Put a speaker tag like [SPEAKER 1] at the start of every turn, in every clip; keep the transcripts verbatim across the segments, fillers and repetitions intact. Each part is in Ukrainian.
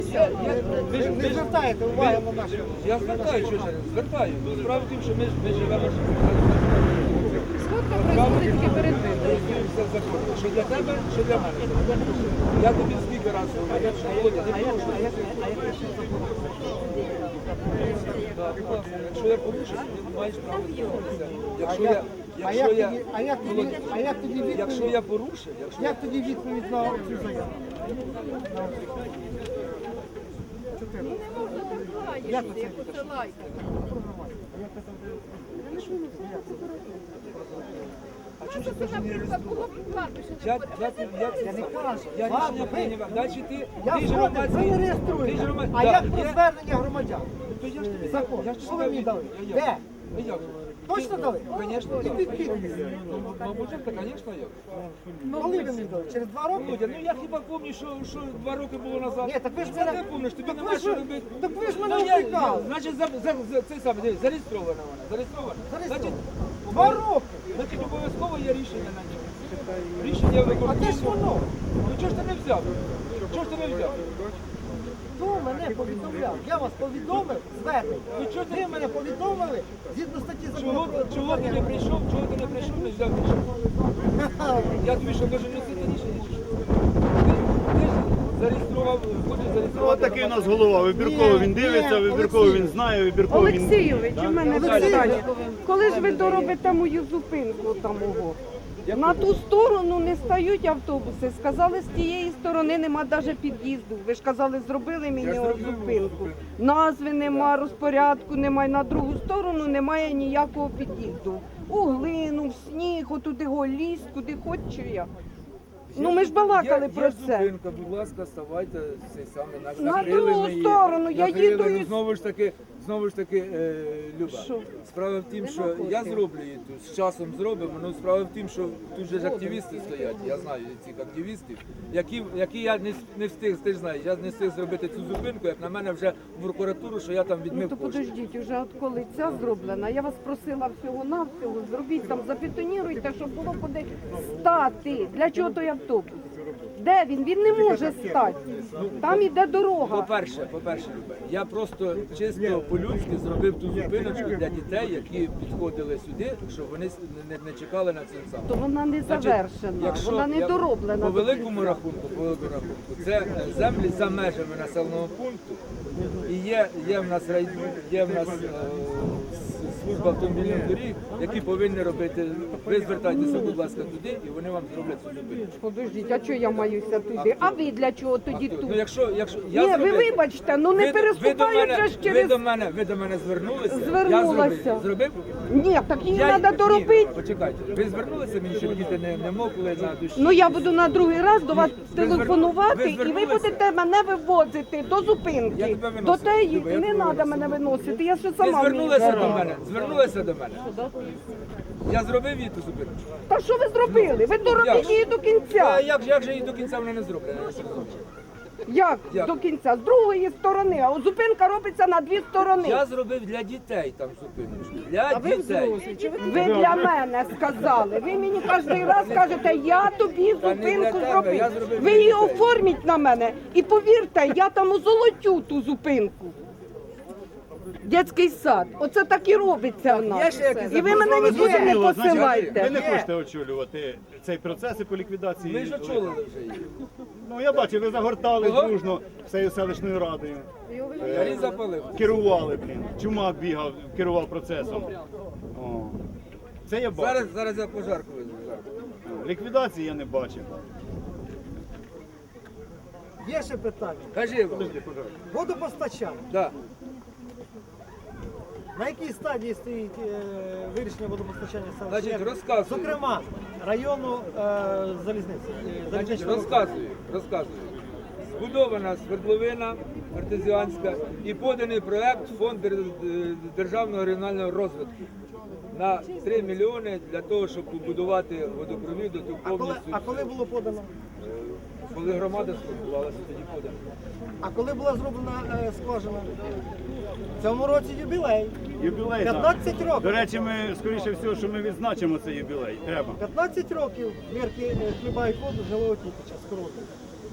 [SPEAKER 1] Ви ж не звертаєте уваги на наші.
[SPEAKER 2] Я звертаю, що ж, звертаю. Справа в тім, що ми, ж- ми живемо ж
[SPEAKER 3] Сходка происходит тільки перед виборами.
[SPEAKER 2] все законно. Що для тебе, що для мене. Я тобі скільки разів говорю, що Володя, не порушуй. Так, будь ласка, якщо я порушив, ти маєш право звернутися. Якщо я,
[SPEAKER 1] А
[SPEAKER 2] якщо
[SPEAKER 1] як
[SPEAKER 2] я,
[SPEAKER 1] тоді, а як тоді,
[SPEAKER 2] Володя,
[SPEAKER 1] а як тоді
[SPEAKER 2] якщо
[SPEAKER 1] відповідь?
[SPEAKER 2] я порушив, якщо
[SPEAKER 1] Як тоді відповідь на цю заяву? Як це?
[SPEAKER 2] А чому ж це не реєстрував? Я, я, я, я,
[SPEAKER 1] не кажу.
[SPEAKER 2] я
[SPEAKER 1] Ладно,
[SPEAKER 2] рішення
[SPEAKER 1] ви-
[SPEAKER 2] прийняв. Далі ти,
[SPEAKER 1] Я
[SPEAKER 2] ти ж
[SPEAKER 1] згоден,
[SPEAKER 2] громадський.
[SPEAKER 1] ви не
[SPEAKER 2] ти ж
[SPEAKER 1] реєструєте.
[SPEAKER 2] громад-
[SPEAKER 1] А
[SPEAKER 2] Да,
[SPEAKER 1] як про
[SPEAKER 2] є-
[SPEAKER 1] звернення громадян?
[SPEAKER 2] То я ж тобі
[SPEAKER 1] Закон.
[SPEAKER 2] я ж
[SPEAKER 1] Що ви мені дали?
[SPEAKER 2] Я- я-
[SPEAKER 1] Де?
[SPEAKER 2] А як?
[SPEAKER 1] Точно дали?
[SPEAKER 2] Звісно,
[SPEAKER 1] І під підпис.
[SPEAKER 2] Ну, мабуть, так, звісно, як.
[SPEAKER 1] Коли ви мені дали? Через два роки?
[SPEAKER 2] Володя, ну я хіба пам'ятаю, що, що два роки було назад.
[SPEAKER 1] Ні, так ви ж
[SPEAKER 2] Це
[SPEAKER 1] мене-
[SPEAKER 2] не помниш, тобі
[SPEAKER 1] так
[SPEAKER 2] нема
[SPEAKER 1] ви ж-
[SPEAKER 2] що робити.
[SPEAKER 1] так ви ж мене
[SPEAKER 2] Ну, я-
[SPEAKER 1] втікали.
[SPEAKER 2] я- Значить, за, за, за, це саме, дивись, зареєстрована вона, зареєстрована.
[SPEAKER 1] Зареєстровано.
[SPEAKER 2] Значить,
[SPEAKER 1] Два роки.
[SPEAKER 2] Значить, обов'язково є рішення на ньому. Рішення
[SPEAKER 1] А де ж
[SPEAKER 2] виконкому.
[SPEAKER 1] воно?
[SPEAKER 2] Ну чого ж ти не взяв? Чого ж ти не взяв?
[SPEAKER 1] Хто мене повідомляв? Я вас повідомив звернення.
[SPEAKER 2] Ну, чого ти-
[SPEAKER 1] Ви мене повідомили згідно статті закону
[SPEAKER 2] Чого,
[SPEAKER 1] про
[SPEAKER 2] чого ти не прийшов, чого ти не прийшов, не взяв рішення? Я тобі що, должен носити рішення? Чи що? Ти, ти ж зареєстрував, хочеш
[SPEAKER 4] Ну,
[SPEAKER 2] зареєструвати.
[SPEAKER 4] такий у нас голова. Вибірково він дивиться,
[SPEAKER 1] Ні,
[SPEAKER 4] вибірково
[SPEAKER 1] Олексій.
[SPEAKER 4] він знає, вибірково він...
[SPEAKER 5] Олексійович, у мене
[SPEAKER 1] Олексійович.
[SPEAKER 5] питання. Коли ж ви доробите мою зупинку там мого? На ту сторону не стають автобуси. Сказали, з тієї сторони нема навіть під'їзду. Ви ж казали, зробили мені
[SPEAKER 2] Я
[SPEAKER 5] от
[SPEAKER 2] зробив
[SPEAKER 5] зупинку.
[SPEAKER 2] зупинку.
[SPEAKER 5] Назви нема, розпорядку немає. На другу сторону немає ніякого під'їзду. У глину, в сніг, отуди го ліс, куди хоч чи я. Ну ми ж балакали
[SPEAKER 2] Є-
[SPEAKER 5] про
[SPEAKER 2] є
[SPEAKER 5] це.
[SPEAKER 2] зупинка, будь ласка, ставайте цей самий наш
[SPEAKER 5] На
[SPEAKER 2] накрили
[SPEAKER 5] другу
[SPEAKER 2] ми її.
[SPEAKER 5] сторону, я
[SPEAKER 2] Накрили,
[SPEAKER 5] їду
[SPEAKER 2] ну,
[SPEAKER 5] із-
[SPEAKER 2] знову ж таки, знову ж таки, е, Люба.
[SPEAKER 5] Що?
[SPEAKER 2] Справа в тім, що я зроблю її тут, з часом зробимо, але справа в тім, що тут же ж активісти стоять, я знаю цих активістів, які, які я не, с- не встиг, ти ж знаєш, я не встиг зробити цю зупинку, як на мене вже в прокуратуру, що я там
[SPEAKER 5] Ну
[SPEAKER 2] відмив
[SPEAKER 5] то
[SPEAKER 2] кошти.
[SPEAKER 5] подождіть, уже от коли ця зроблена, я вас просила всього навсього, зробіть там, забетоніруйте, щоб було куди стати. Для чого той автобус? Де він? Він не може стати. Там іде дорога.
[SPEAKER 2] По-перше, по-перше, Люба, я просто чисто по-людськи зробив ту зупиночку для дітей, які підходили сюди, щоб вони с- не, не чекали на цей сам.
[SPEAKER 5] То вона не
[SPEAKER 2] Значить,
[SPEAKER 5] завершена,
[SPEAKER 2] якщо
[SPEAKER 5] вона не
[SPEAKER 2] я-
[SPEAKER 5] дороблена.
[SPEAKER 2] По великому рахунку, по великому рахунку, це е, землі за межами населеного пункту. І є, є в нас рай, є в нас е, с- служба автомобільних доріг, які повинні робити. Ви звертайтеся, будь ласка, туди, і вони вам зроблять цю зупинку.
[SPEAKER 5] Подождіть, а чого я маюся туди? А ви для чого тоді
[SPEAKER 2] Ну,
[SPEAKER 5] тут?
[SPEAKER 2] якщо, якщо я
[SPEAKER 5] Ні, ви
[SPEAKER 2] зробив-
[SPEAKER 5] вибачте, ну не
[SPEAKER 2] ви, ви до
[SPEAKER 5] переступають
[SPEAKER 2] мене,
[SPEAKER 5] же ж
[SPEAKER 2] ви
[SPEAKER 5] через...
[SPEAKER 2] до мене, ви до мене звернулися.
[SPEAKER 5] Звернулася.
[SPEAKER 2] Я зробив. зробив?
[SPEAKER 5] Ні, так її
[SPEAKER 2] Я-
[SPEAKER 5] треба
[SPEAKER 2] ні,
[SPEAKER 5] доробити.
[SPEAKER 2] Почекайте, ви звернулися мені, щоб діти не, не мокли на душі?
[SPEAKER 5] Ну я буду на другий раз до вас
[SPEAKER 2] Ви зверну-
[SPEAKER 5] телефонувати,
[SPEAKER 2] ви
[SPEAKER 5] і ви
[SPEAKER 2] звернулися?
[SPEAKER 5] будете мене вивозити до
[SPEAKER 2] Я
[SPEAKER 5] зупинки.
[SPEAKER 2] тебе виносив.
[SPEAKER 5] До теї
[SPEAKER 2] Люба, я
[SPEAKER 5] не
[SPEAKER 2] тебе
[SPEAKER 5] треба
[SPEAKER 2] виносив.
[SPEAKER 5] мене виносити. Я ще
[SPEAKER 2] Ви
[SPEAKER 5] сама вмію.
[SPEAKER 2] звернулися до мене, звернулися до мене. Я зробив її ту зупинку.
[SPEAKER 5] Та що ви зробили? Ви доробіть
[SPEAKER 2] Як?
[SPEAKER 5] її до
[SPEAKER 2] А
[SPEAKER 5] кінця.
[SPEAKER 2] як, же- як же її до кінця вона не зроблена? Я не розумію.
[SPEAKER 5] Як
[SPEAKER 2] Як?
[SPEAKER 5] до кінця? З другої сторони, а от зупинка робиться на дві сторони.
[SPEAKER 2] Я зробив для дітей там зупиночку. Для дітей.
[SPEAKER 5] Ви для мене сказали. Ви мені кожен раз кажете, я тобі
[SPEAKER 2] Та не для
[SPEAKER 5] зупинку
[SPEAKER 2] тебе, я
[SPEAKER 5] зробив.
[SPEAKER 2] зробив
[SPEAKER 5] Ви
[SPEAKER 2] для
[SPEAKER 5] її
[SPEAKER 2] дітей.
[SPEAKER 5] оформіть на мене. І повірте, я там озолотю ту зупинку. Дитячий сад. Оце так і робиться в
[SPEAKER 2] Є
[SPEAKER 5] нас.
[SPEAKER 2] ще якісь
[SPEAKER 5] І ви мене
[SPEAKER 2] запропоновані
[SPEAKER 5] нікуди не
[SPEAKER 4] Зрозуміло, значить,
[SPEAKER 5] посилайте.
[SPEAKER 4] Ви не хочете очолювати цей процес і по ліквідації.
[SPEAKER 2] Ми ж очолили вже її.
[SPEAKER 4] Ну я бачу, ви загортали
[SPEAKER 2] Кого?
[SPEAKER 4] дружно всією селищною радою.
[SPEAKER 2] Я її запалив.
[SPEAKER 4] Керували, блін. Чумак бігав, керував процесом. О. Це я бачу.
[SPEAKER 2] Зараз, зараз я пожарку визву. зараз.
[SPEAKER 4] Ліквідації я не бачив.
[SPEAKER 1] Є ще питання.
[SPEAKER 2] Кажи, Іван.
[SPEAKER 1] Водопостачання.
[SPEAKER 2] Да.
[SPEAKER 1] На якій стадії стоїть е, вирішення водопостачання
[SPEAKER 2] Значить,
[SPEAKER 1] селища?
[SPEAKER 2] розказую.
[SPEAKER 1] Зокрема, району е, залізниці. е,
[SPEAKER 2] Значить,
[SPEAKER 1] залізничного
[SPEAKER 2] розказую, розказую. Збудована свердловина артезіанська і поданий проект в Фонд дер- державного регіонального розвитку на три мільйони для того, щоб побудувати водопровід, оту
[SPEAKER 1] А коли,
[SPEAKER 2] повністю.
[SPEAKER 1] а коли було подано?
[SPEAKER 2] Коли громада сформувалася, тоді подано.
[SPEAKER 1] А коли була зроблена е, скважина? В цьому році юбілей.
[SPEAKER 4] Юбілей. так.
[SPEAKER 1] п'ятнадцять років.
[SPEAKER 4] До речі, ми, скоріше всього, що ми відзначимо цей юбілей. Треба.
[SPEAKER 1] п'ятнадцять років Мірки е, хлібають воду з Жилого Тітича, з Короту.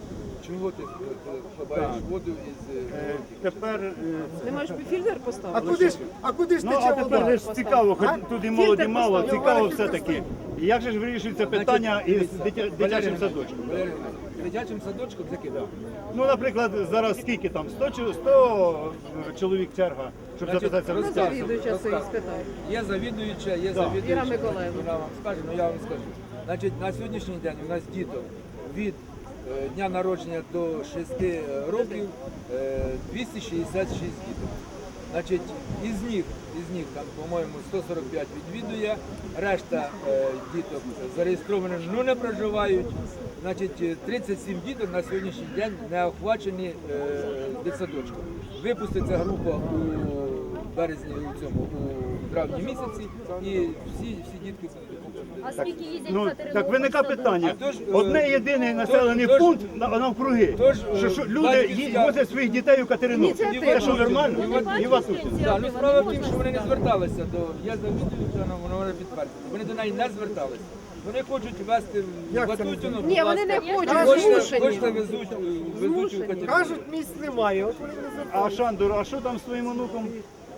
[SPEAKER 2] чого ти хабаєш воду із... е,
[SPEAKER 4] Е, Тепер е,
[SPEAKER 3] Ти маєш фільтр
[SPEAKER 1] А
[SPEAKER 3] поставити?
[SPEAKER 1] куди ж, а куди ж
[SPEAKER 4] ну а
[SPEAKER 1] тече
[SPEAKER 4] тепер
[SPEAKER 1] вода?
[SPEAKER 4] же ж цікаво, хоч тут і молоді
[SPEAKER 3] Фільтр
[SPEAKER 4] мало,
[SPEAKER 3] поставив.
[SPEAKER 4] цікаво все таки. Як же ж вирішується питання із
[SPEAKER 2] Дивіться,
[SPEAKER 4] дитя-
[SPEAKER 2] Валерій
[SPEAKER 4] дитячим
[SPEAKER 2] Геннадійович,
[SPEAKER 4] садочком?
[SPEAKER 2] Валерій Геннадійович, з дитячим садочком закидав.
[SPEAKER 4] Ну, наприклад, зараз скільки там? сто, чи- сто чоловік черга, щоб
[SPEAKER 2] Значить,
[SPEAKER 4] записатися в
[SPEAKER 3] Ну,
[SPEAKER 2] розказую,
[SPEAKER 3] завідуюча це і
[SPEAKER 2] розказую.
[SPEAKER 3] спитає.
[SPEAKER 2] Є завідуюча, є
[SPEAKER 4] Да.
[SPEAKER 2] завідуюча.
[SPEAKER 3] Іра Миколаївна.
[SPEAKER 2] Вона вам скаже, ну я вам скажу. Значить, на сьогоднішній день у нас діток від е, дня народження до шести років е, двісті шістдесят шість діток. Значить, із них, із них там, по-моєму, сто сорок п'ять відвідує, решта е, діток зареєстровані, ну не проживають. Значить, е, тридцять сім діток на сьогоднішній день не охвачені е, дитсадочком. Випуститься група у березні, у цьому, у травні місяці, і всі, всі дітки
[SPEAKER 6] А скільки їздять
[SPEAKER 4] Ну,
[SPEAKER 6] за
[SPEAKER 4] так
[SPEAKER 6] Тернопіль
[SPEAKER 4] виникає
[SPEAKER 6] садок?
[SPEAKER 4] питання.
[SPEAKER 2] А то ж, е,
[SPEAKER 4] Одне єдиний населений
[SPEAKER 2] то ж-
[SPEAKER 4] пункт на- навкруги.
[SPEAKER 2] то ж, е,
[SPEAKER 4] Що, що люди
[SPEAKER 2] батьківська-
[SPEAKER 4] ї- возять своїх дітей у Катеринополь.
[SPEAKER 3] Ініціатива.
[SPEAKER 4] Це що нормально?
[SPEAKER 6] Вони
[SPEAKER 4] І
[SPEAKER 6] бачать
[SPEAKER 4] вас тут.
[SPEAKER 6] пенсію,
[SPEAKER 2] Так, ну
[SPEAKER 6] вони
[SPEAKER 2] справа в тім,
[SPEAKER 6] можуть
[SPEAKER 2] що вони не зверталися до я завідуюча, вона вона може підтвердити. Вони до неї не зверталися. Вони хочуть вести в
[SPEAKER 1] Як це
[SPEAKER 2] Батутіну.
[SPEAKER 3] Ні, вони не
[SPEAKER 6] Я
[SPEAKER 3] хочуть,
[SPEAKER 2] Хочете,
[SPEAKER 3] змушені.
[SPEAKER 2] хочете везуть, е, везуть у
[SPEAKER 3] Змушені.
[SPEAKER 2] Катеринополь.
[SPEAKER 1] Кажуть, місць немає, от вони не звертаються.
[SPEAKER 4] А Шандор, а що там з твоїм онуком?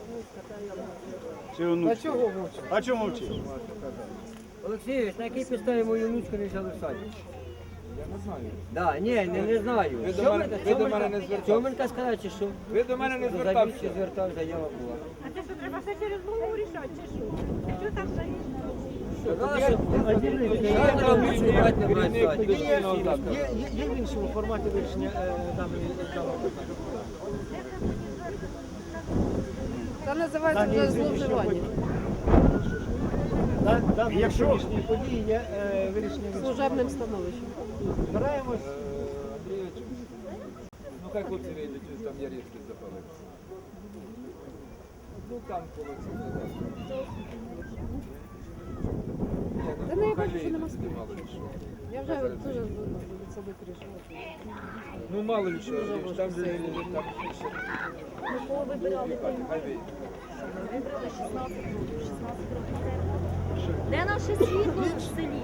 [SPEAKER 4] Чи онук?
[SPEAKER 1] А чого мовчать?
[SPEAKER 4] А чому мовчиш?
[SPEAKER 7] Олексійович, на якій підставі мою внучку не взяли в садик?
[SPEAKER 2] Я не знаю.
[SPEAKER 7] Да, ні, не, не знаю.
[SPEAKER 2] Ви до мене- ви до мене не звертались.
[SPEAKER 7] Чоменка сказала, чи що?
[SPEAKER 2] Ви до мене не
[SPEAKER 7] До
[SPEAKER 2] звертався.
[SPEAKER 7] завідчі звертав, заява була.
[SPEAKER 8] А це що, треба все через голову рішати, чи що? Що там за
[SPEAKER 7] Сказала, що
[SPEAKER 2] Шандра
[SPEAKER 7] я
[SPEAKER 2] Андрій,
[SPEAKER 7] внучку брати не маю в
[SPEAKER 2] керівник
[SPEAKER 7] садик.
[SPEAKER 2] дошкільного закладу.
[SPEAKER 1] Є, є, є в іншому форматі вирішення е, даної даного питання.
[SPEAKER 5] Це називається вже зловживання.
[SPEAKER 1] Да- Дані
[SPEAKER 4] Якщо-
[SPEAKER 1] сьогоднішні події є е, вирішення вирішення.
[SPEAKER 5] Служебним становищем.
[SPEAKER 1] Збираємось.
[SPEAKER 2] Е, Андрійович, ну хай хлопці вийдуть, там я різки запалив. Ну там коло цього. Ні,
[SPEAKER 5] Та не, я
[SPEAKER 2] хай
[SPEAKER 5] бачу, що
[SPEAKER 2] вийдуть,
[SPEAKER 5] нема
[SPEAKER 2] тоді мало ли що.
[SPEAKER 5] Я вже дуже від себе рішила.
[SPEAKER 2] Ну мало ли що, Андрійович, там же там ще.
[SPEAKER 6] Ми кого вибирали?
[SPEAKER 2] Хай вийдуть.
[SPEAKER 6] Вибрали шістнадцять років, шістнадцять років. Де наше світло в селі?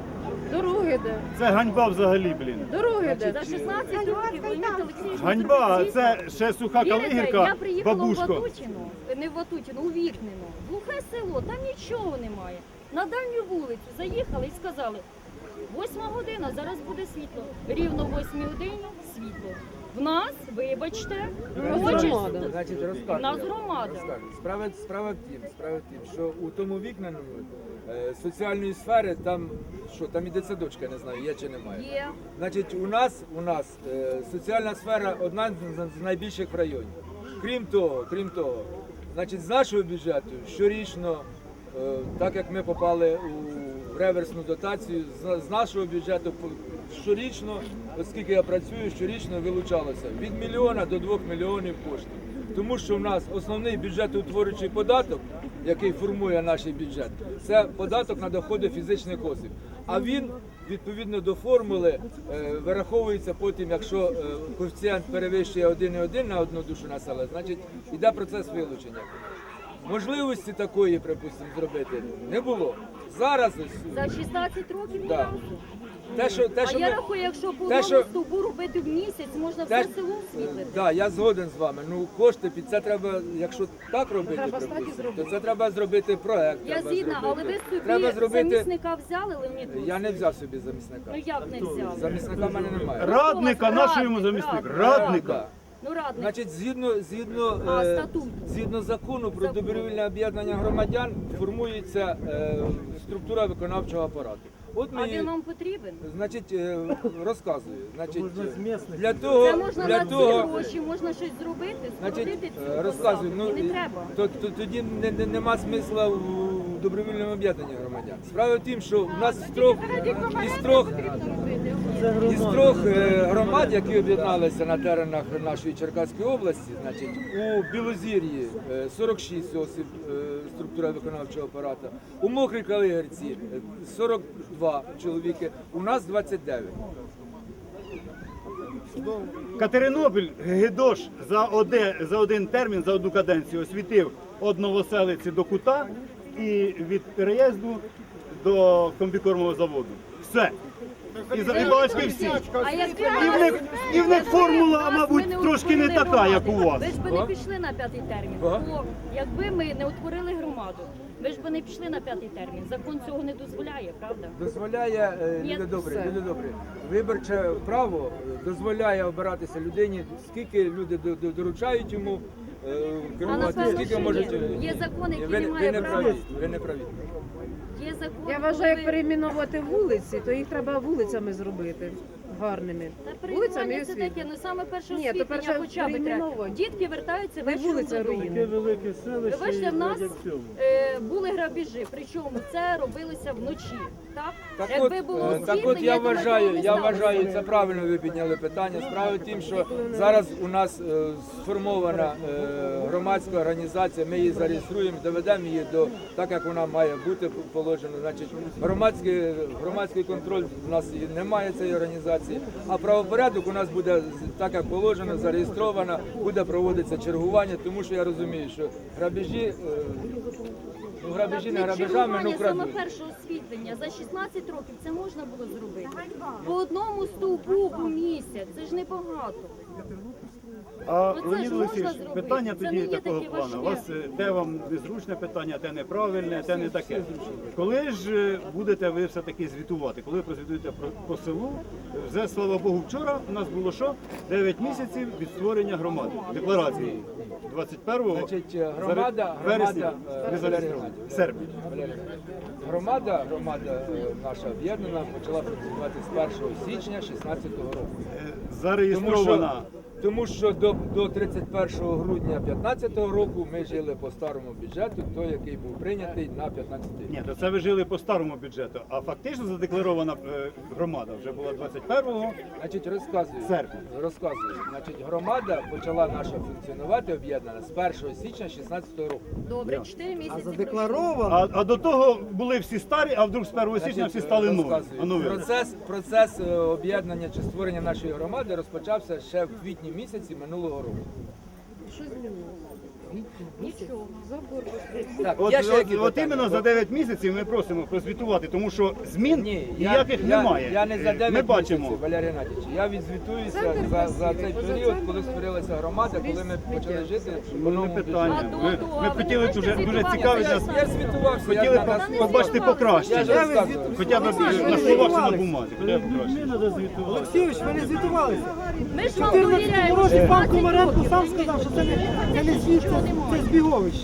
[SPEAKER 5] Дороги де?
[SPEAKER 4] Це ганьба взагалі, блін.
[SPEAKER 5] Дороги де?
[SPEAKER 6] За шістнадцять років Леонід Олексійович
[SPEAKER 4] Ганьба,
[SPEAKER 6] зробив
[SPEAKER 4] це ще суха
[SPEAKER 6] Вірите,
[SPEAKER 4] калигірка,
[SPEAKER 6] я приїхала
[SPEAKER 4] бабушко.
[SPEAKER 6] в Ватутіно, не в Ватутіно, у Вікнино. Глухе село, там нічого немає. На дальню вулицю заїхали і сказали, восьма година, зараз буде світло. Рівно в восьмій годині світло. В нас, вибачте, хочеш-
[SPEAKER 5] громада.
[SPEAKER 2] Значить, розказую.
[SPEAKER 6] У нас громада.
[SPEAKER 2] Розказую. Справа, справа в тім, справа в тім, що у тому вікненому е, соціальної сфери там, що там і дитсадочка, не знаю, є чи немає.
[SPEAKER 6] Є.
[SPEAKER 2] Значить, у нас, у нас е, соціальна сфера одна з- з найбільших в районі. Крім того, крім того, значить, з нашого бюджету щорічно, е, так як ми попали у реверсну дотацію, з, з нашого бюджету по- щорічно, оскільки я працюю, щорічно вилучалося від мільйона до двох мільйонів коштів. Тому що в нас основний бюджетоутворюючий податок, який формує наш бюджет, це податок на доходи фізичних осіб. А він відповідно до формули е, вираховується потім, якщо е, коефіцієнт перевищує один цілих один на одну душу населення, значить йде процес вилучення. Можливості такої, припустимо, зробити не було. Зараз ось
[SPEAKER 6] За шістнадцять років ні
[SPEAKER 2] Да.
[SPEAKER 6] разу.
[SPEAKER 2] те, що те,
[SPEAKER 6] А
[SPEAKER 2] що
[SPEAKER 6] я
[SPEAKER 2] ми-
[SPEAKER 6] рахую, якщо по
[SPEAKER 2] те,
[SPEAKER 6] одному
[SPEAKER 2] що-
[SPEAKER 6] стовбу робити в місяць, можна
[SPEAKER 2] Те-
[SPEAKER 6] все село освітлити.
[SPEAKER 2] Да, я згоден з вами. Ну кошти під це треба, якщо так робити,
[SPEAKER 5] Треба стати
[SPEAKER 2] припустимо,
[SPEAKER 5] зробити.
[SPEAKER 2] то це треба зробити проект.
[SPEAKER 6] Я
[SPEAKER 2] треба
[SPEAKER 6] згідна, але
[SPEAKER 2] зробити.
[SPEAKER 6] ви собі
[SPEAKER 2] треба зробити.
[SPEAKER 6] замісника взяли, Леонід
[SPEAKER 2] Я
[SPEAKER 6] Олексійович?
[SPEAKER 2] не взяв собі замісника.
[SPEAKER 6] Ну як не взяли?
[SPEAKER 2] Замісника в мене немає.
[SPEAKER 4] Радника,
[SPEAKER 6] Радник,
[SPEAKER 4] нашого йому замісник.
[SPEAKER 6] радник.
[SPEAKER 4] Радника.
[SPEAKER 2] Да.
[SPEAKER 6] Ну радник.
[SPEAKER 2] Значить, згідно, згідно,
[SPEAKER 6] А,
[SPEAKER 2] е,
[SPEAKER 6] статут?
[SPEAKER 2] згідно закону про
[SPEAKER 6] Закон.
[SPEAKER 2] добровільне об'єднання громадян формується е, структура виконавчого апарату. От
[SPEAKER 6] А
[SPEAKER 2] ми,
[SPEAKER 6] він вам потрібен?
[SPEAKER 2] значить, е, розказую. Значить,
[SPEAKER 1] Можна з місних.
[SPEAKER 2] для того,
[SPEAKER 6] Це можна
[SPEAKER 2] для
[SPEAKER 6] на ці
[SPEAKER 2] того,
[SPEAKER 6] гроші, можна щось зробити,
[SPEAKER 2] значить,
[SPEAKER 6] скоротити
[SPEAKER 2] е,
[SPEAKER 6] цю
[SPEAKER 2] розказую.
[SPEAKER 6] посаду.
[SPEAKER 2] Ну
[SPEAKER 6] І не треба.
[SPEAKER 2] то, то тоді не, не, нема смисла в добровільному об'єднанні громадян. Справа в тім, що в нас з трьох із трьох із трьох е, громад, які об'єдналися на теренах нашої Черкаської області, значить, у Білозір'ї е, сорок шість осіб е, структура виконавчого апарату, у Мокрій Калигірці е, сорок два чоловіки, у нас двадцять дев'ять.
[SPEAKER 4] Катеринополь Гедош за, оде, за один термін, за одну каденцію освітив од Новоселиці до Кута і від переїзду до комбікормового заводу. Все. І за рибалочки всі.
[SPEAKER 6] А якби
[SPEAKER 4] І в них, і в них формула, мабуть, трошки не така, як у вас.
[SPEAKER 6] Ви ж би не пішли на п'ятий термін.
[SPEAKER 2] Ага.
[SPEAKER 6] Бо якби ми не утворили громаду, ви ж би не пішли на п'ятий термін. Закон цього не дозволяє, правда?
[SPEAKER 2] Дозволяє, е,
[SPEAKER 6] Ні,
[SPEAKER 2] люди добрі,
[SPEAKER 5] все.
[SPEAKER 2] люди добрі. Виборче право е, дозволяє обиратися людині, скільки люди до- до- доручають йому е,
[SPEAKER 6] А
[SPEAKER 2] керувати,
[SPEAKER 6] напевно,
[SPEAKER 2] скільки
[SPEAKER 6] що
[SPEAKER 2] можуть.
[SPEAKER 6] є.
[SPEAKER 2] е,
[SPEAKER 6] Є закон, який
[SPEAKER 2] ви,
[SPEAKER 6] не
[SPEAKER 2] ви
[SPEAKER 6] має
[SPEAKER 2] не
[SPEAKER 6] права.
[SPEAKER 2] праві, ви не праві.
[SPEAKER 6] Є закон,
[SPEAKER 3] Я
[SPEAKER 6] коли
[SPEAKER 3] вважаю, як
[SPEAKER 6] ви-
[SPEAKER 3] перейменувати вулиці, то їх треба вулицями зробити гарними.
[SPEAKER 6] Та
[SPEAKER 3] Вулицями і
[SPEAKER 6] перейменування це
[SPEAKER 3] освітлення.
[SPEAKER 6] таке, ну саме перше
[SPEAKER 3] Ні, то
[SPEAKER 6] освітлення
[SPEAKER 3] перше
[SPEAKER 6] хоча б треба.
[SPEAKER 3] перейменовувати.
[SPEAKER 6] Дітки вертаються
[SPEAKER 3] Не
[SPEAKER 6] вечором
[SPEAKER 3] вулиця
[SPEAKER 6] додому.
[SPEAKER 3] руїни.
[SPEAKER 9] велике селище.
[SPEAKER 6] Ви бачите, в нас
[SPEAKER 9] як в цьому.
[SPEAKER 6] е, були грабіжі, причому це робилося вночі. Так,
[SPEAKER 2] Так
[SPEAKER 6] якби
[SPEAKER 2] от,
[SPEAKER 6] було
[SPEAKER 2] е, так
[SPEAKER 6] освітлення,
[SPEAKER 2] от я
[SPEAKER 6] то ми
[SPEAKER 2] вважаю,
[SPEAKER 6] цього не
[SPEAKER 2] я
[SPEAKER 6] сталося.
[SPEAKER 2] вважаю, це правильно ви підняли питання. Справа в тім, що зараз у нас е, сформована е, громадська організація, ми її зареєструємо, доведемо її до так, як вона має бути положено. Значить, громадський, громадський контроль у нас і немає цієї організації, а правопорядок у нас буде так, як положено, зареєстровано, буде проводитися чергування, тому що я розумію, що грабежі, е, ну грабежі не
[SPEAKER 6] Так,
[SPEAKER 2] грабежами, ну
[SPEAKER 6] чергування саме
[SPEAKER 2] крадуть.
[SPEAKER 6] перше освітлення за шістнадцять років це можна було зробити. По одному стовпу у місяць, це ж небагато.
[SPEAKER 4] А
[SPEAKER 6] Ну, це
[SPEAKER 4] Леонід
[SPEAKER 6] ж
[SPEAKER 4] Олексійович,
[SPEAKER 6] можна зробити.
[SPEAKER 4] питання
[SPEAKER 6] Це
[SPEAKER 4] тоді
[SPEAKER 6] не є
[SPEAKER 4] такого
[SPEAKER 6] таке
[SPEAKER 4] плану. У вас
[SPEAKER 6] важке.
[SPEAKER 4] е, де вам незручне питання, де неправильне, де не таке. Коли ж е, будете ви все-таки звітувати? Коли ви прозвітуєте про- по селу? Вже, слава Богу, вчора у нас було що? дев'ять місяців від створення громади. Декларації двадцять першого
[SPEAKER 2] Значить, громада,
[SPEAKER 4] вересня,
[SPEAKER 2] громада, е,
[SPEAKER 4] не зареєстрована. серпня.
[SPEAKER 2] Валерій, Громада, громада е, наша об'єднана почала працювати з першого січня шістнадцятого року.
[SPEAKER 4] Е,
[SPEAKER 2] Тому що,
[SPEAKER 4] Зареєстрована.
[SPEAKER 2] тому що до, до тридцять першого грудня п'ятнадцятого року ми жили по старому бюджету, той, який був прийнятий на п'ятнадцятий рік.
[SPEAKER 4] Ні, то це ви жили по старому бюджету, а фактично задекларована е, громада вже була двадцять першого.
[SPEAKER 2] Значить, розказую.
[SPEAKER 4] Серпня.
[SPEAKER 2] Розказую. Значить, громада почала наша функціонувати об'єднана з першого січня шістнадцятого року.
[SPEAKER 6] Добре, чотири
[SPEAKER 1] А
[SPEAKER 6] місяці.
[SPEAKER 1] задекларовано.
[SPEAKER 4] А, а до того були всі старі, а вдруг з першого січня
[SPEAKER 2] Значить,
[SPEAKER 4] всі стали нові.
[SPEAKER 2] розказую.
[SPEAKER 4] А нові.
[SPEAKER 2] Процес, процес е, об'єднання чи створення нашої громади розпочався ще в квітні місяці минулого року.
[SPEAKER 3] Що змінилося?
[SPEAKER 6] Нічого.
[SPEAKER 3] Забор.
[SPEAKER 2] Так,
[SPEAKER 4] От,
[SPEAKER 2] є ще
[SPEAKER 4] от,
[SPEAKER 2] які
[SPEAKER 4] от
[SPEAKER 2] питання?
[SPEAKER 4] іменно за дев'ять місяців ми просимо прозвітувати, тому що змін
[SPEAKER 2] Ні, я,
[SPEAKER 4] ніяких
[SPEAKER 2] я,
[SPEAKER 4] немає.
[SPEAKER 2] Я не за
[SPEAKER 4] Е,
[SPEAKER 2] дев'ять
[SPEAKER 4] ми бачимо.
[SPEAKER 2] місяців, Валерій Геннадійович. Я відзвітуюся
[SPEAKER 3] Центр
[SPEAKER 2] за, за
[SPEAKER 3] красивий,
[SPEAKER 2] цей
[SPEAKER 3] поза
[SPEAKER 2] період,
[SPEAKER 3] центром
[SPEAKER 2] коли створилася громада, коли ми почали жити в
[SPEAKER 4] Ну, не
[SPEAKER 2] новому
[SPEAKER 4] питання.
[SPEAKER 6] А
[SPEAKER 4] Ми,
[SPEAKER 6] до того,
[SPEAKER 4] ми
[SPEAKER 6] а ви
[SPEAKER 4] хотіли
[SPEAKER 6] бачите,
[SPEAKER 4] дуже, дуже
[SPEAKER 6] звітування
[SPEAKER 4] цікавить
[SPEAKER 6] за
[SPEAKER 4] нас.
[SPEAKER 2] Я звітувався, я
[SPEAKER 4] Хотіли
[SPEAKER 2] на нас
[SPEAKER 4] по- побачити
[SPEAKER 2] Я
[SPEAKER 4] покращення.
[SPEAKER 2] ж розказую.
[SPEAKER 4] Хоча б
[SPEAKER 1] Ви
[SPEAKER 4] на
[SPEAKER 1] звітувалися.
[SPEAKER 4] словах чи на бумазі. Хоча б краще.
[SPEAKER 1] Олексійович, ви не звітувалися.
[SPEAKER 6] Ми ж вам
[SPEAKER 1] В чотирнадцятому
[SPEAKER 6] довіряємо
[SPEAKER 1] році пан
[SPEAKER 6] шістнадцять
[SPEAKER 1] Комаренко
[SPEAKER 6] років.
[SPEAKER 1] сам сказав, що це не, це не звіт, це, це збіговище.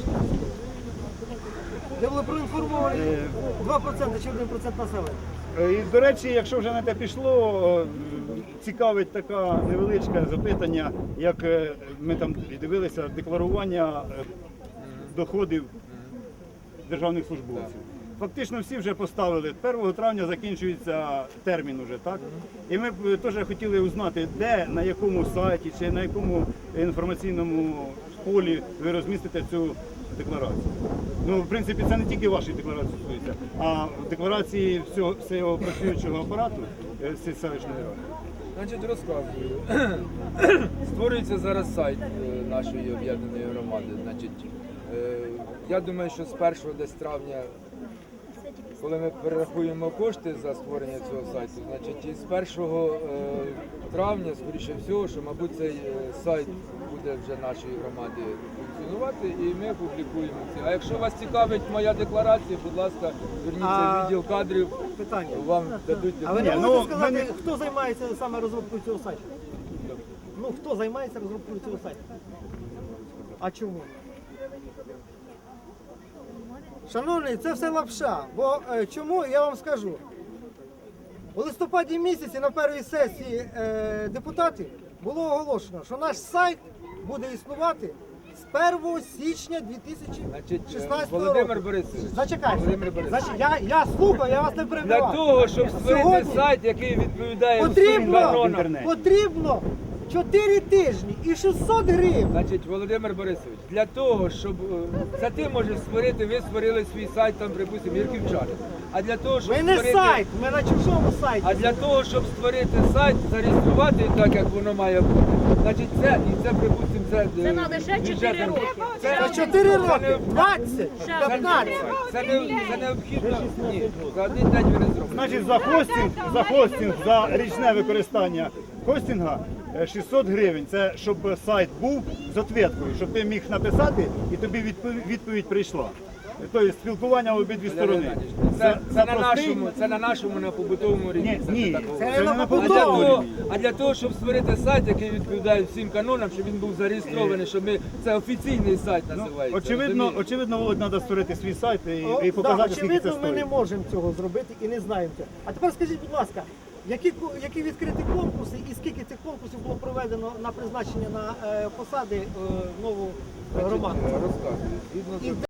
[SPEAKER 1] Де були проінформовані два відсотки чи один відсоток населення.
[SPEAKER 4] Е, І, до речі, якщо вже на те пішло, е, цікавить таке невеличке запитання, як е, ми там дивилися декларування е, доходів державних службовців. Фактично всі вже поставили. першого травня закінчується термін уже, так? І ми б е, теж хотіли узнати, де, на якому сайті чи на якому інформаційному полі ви розмістите цю декларацію. Ну, в принципі, це не тільки вашої декларації стосується, а декларації всього, всього працюючого апарату е, з селищної ради.
[SPEAKER 2] Значить, розказую. Створюється зараз сайт е, нашої об'єднаної громади. Значить, е, я думаю, що з першого десь травня, коли ми перерахуємо кошти за створення цього сайту, значить, і з першого е, травня, скоріше всього, що, мабуть, цей е, сайт буде вже нашої громади функціонувати, і ми публікуємо це. А якщо вас цікавить моя декларація, будь ласка, зверніться
[SPEAKER 1] А-
[SPEAKER 2] в відділ кадрів,
[SPEAKER 1] Питання.
[SPEAKER 2] вам дадуть
[SPEAKER 1] А ви не
[SPEAKER 4] Ні,
[SPEAKER 1] можете
[SPEAKER 4] ну,
[SPEAKER 1] сказати,
[SPEAKER 4] мене-
[SPEAKER 1] хто займається саме розробкою цього сайту? Ну, хто займається розробкою цього сайту? А чому? Шановні, це все лапша. Бо е, чому, я вам скажу. У листопаді місяці на першій сесії е, депутатів було оголошено, що наш сайт буде існувати з першого січня дві тисячі
[SPEAKER 2] Значить,
[SPEAKER 1] шістнадцятого
[SPEAKER 2] Володимир
[SPEAKER 1] року.
[SPEAKER 2] Борисович,
[SPEAKER 1] Зачекайте.
[SPEAKER 2] Володимир Борисович.
[SPEAKER 1] Значить, я, я слухаю, я вас не
[SPEAKER 2] Для
[SPEAKER 1] перебиваю.
[SPEAKER 2] того, щоб створити
[SPEAKER 1] Сьогодні
[SPEAKER 2] сайт, який відповідає усім
[SPEAKER 1] потрібно,
[SPEAKER 2] канонам.
[SPEAKER 4] інтернеті.
[SPEAKER 1] потрібно чотири тижні і шістсот гривень.
[SPEAKER 2] Значить, Володимир Борисович, для того, щоб е, це ти можеш створити, ви створили свій сайт, там, припустимо, Ірківчани. А для того, щоб
[SPEAKER 1] Ми не
[SPEAKER 2] створити,
[SPEAKER 1] сайт, ми на чужому сайті.
[SPEAKER 2] а для того, щоб створити сайт, зареєструвати так, як воно має бути, Значить, це, і це, припустимо, це...
[SPEAKER 6] Це
[SPEAKER 2] е,
[SPEAKER 6] надо ще чотири
[SPEAKER 2] бюджетна-
[SPEAKER 6] роки.
[SPEAKER 1] За чотири роки, двадцять,
[SPEAKER 6] Ще
[SPEAKER 1] п'ятнадцять.
[SPEAKER 2] Це, не, це необхідно, ні, за один день ви не зробите.
[SPEAKER 4] Значить, за хостинг, за хостинг, за річне використання хостинга е, шістсот гривень. Це щоб сайт був з ответкою, щоб ти міг написати і тобі відповідь, відповідь прийшла. Тобто спілкування в обидві сторони.
[SPEAKER 2] Це, це, на
[SPEAKER 4] простий-
[SPEAKER 2] нашому, це на нашому, на побутовому рівні.
[SPEAKER 4] Ні,
[SPEAKER 2] Це
[SPEAKER 4] ні,
[SPEAKER 2] не такого.
[SPEAKER 4] це
[SPEAKER 1] Це
[SPEAKER 4] не
[SPEAKER 1] на
[SPEAKER 4] на
[SPEAKER 2] А для,
[SPEAKER 4] побутовому
[SPEAKER 2] того,
[SPEAKER 4] рівні.
[SPEAKER 2] а для того, щоб створити сайт, який відповідає всім канонам, щоб він був зареєстрований, щоб ми це офіційний сайт
[SPEAKER 4] Ну,
[SPEAKER 2] називається.
[SPEAKER 4] очевидно,
[SPEAKER 2] розумієте?
[SPEAKER 4] очевидно, Володь, треба створити свій сайт і,
[SPEAKER 1] О,
[SPEAKER 4] і
[SPEAKER 1] да,
[SPEAKER 4] показати, скільки це
[SPEAKER 1] очевидно, ми не
[SPEAKER 4] стоїть.
[SPEAKER 1] можемо цього зробити і не знаємо цього. А тепер скажіть, будь ласка, які, ко- які відкриті конкурси і скільки цих конкурсів було проведено на призначення на е, посади е, нову е,
[SPEAKER 2] Значить,
[SPEAKER 1] громаду?
[SPEAKER 2] е, розказую. Згідно
[SPEAKER 1] І
[SPEAKER 2] закону-